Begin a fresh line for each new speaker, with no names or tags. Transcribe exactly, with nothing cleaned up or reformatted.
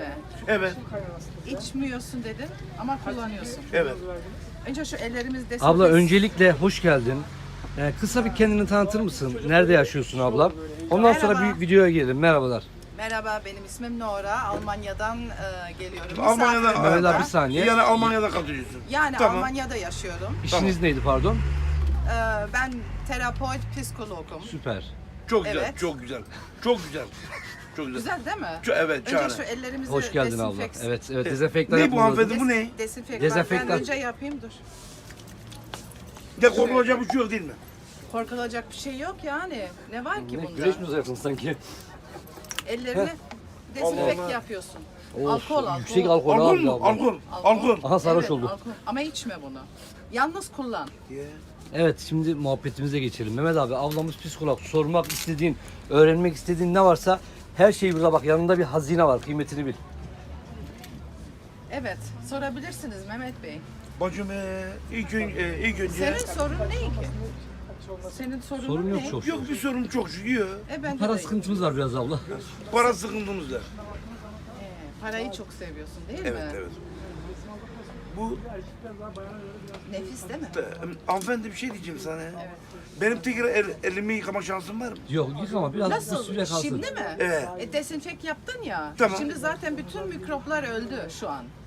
Evet.
İçmiyorsun dedin ama kullanıyorsun.
Evet.
Önce şu ellerimiz desinfekte.
Abla öncelikle hoş geldin. Ee, kısa bir kendini tanıtır mısın? Nerede yaşıyorsun abla? Ondan sonra
Merhaba.
bir videoya girelim. Merhabalar.
Merhaba, benim ismim Nora. Almanya'dan e, geliyorum.
Almanya'da,
Misafirim
Mehmet
burada.
abi bir saniye.
Yani Almanya'da kalıyorsun.
Yani
Tamam.
Almanya'da yaşıyorum.
İşiniz neydi pardon?
E, ben terapeut, psikologum.
Süper.
Çok güzel,
Evet.
çok güzel. Çok güzel. Çok güzel.
Güzel değil mi?
Çok- evet,
Önce
şahane.
şu ellerimizi
Hoş geldin abla.
desinfeks-
Evet, evet dezenfektan
Ne bu
yapmamız lazım.
hanımefendi, bu ne?
Desinfektan.
Dezenfektan.
Ben önce yapayım dur.
De korkulacak bir şey yok değil mi?
Korkulacak bir şey yok yani. Ne var ki
Ne,
bunda?
güreş mi uzayacaksın sanki?
Ellerini desinfekt
Allah.
yapıyorsun.
Of,
Alkol, alkol.
Yüksek alkol,
Alkol
abi
mu?
abla.
Alkol. Alkol.
Aha sarhoş
Evet,
oldu.
alkol. Ama içme bunu. Yalnız kullan.
Evet şimdi muhabbetimize geçelim. Mehmet abi ablamız psikolog. Sormak istediğin, öğrenmek istediğin ne varsa her şeyi burada bak. Yanında bir hazine var. Kıymetini bil.
Evet, sorabilirsiniz Mehmet Bey.
Bacım ee, ilk, ön, ee, ilk önce...
Senin sorun ne ki? Senin sorunun
Sorun yok
ne?
çok.
Yok bir sorun çok şükür.
E ben de
Para
değilim.
sıkıntımız var biraz abla.
Para sıkıntımız var.
Ee, parayı çok seviyorsun değil
Evet,
mi?
evet. Bu
Nefis değil mi?
e, hanımefendi bir şey diyeceğim sana. Benim tekrar el, elimi yıkama şansım var mı?
Yok yıkama biraz bir
Nasıl?
süre kalsın.
Şimdi mi?
Evet.
E, desinfekt yaptın ya.
Tamam.
Şimdi zaten bütün mikroplar öldü şu an.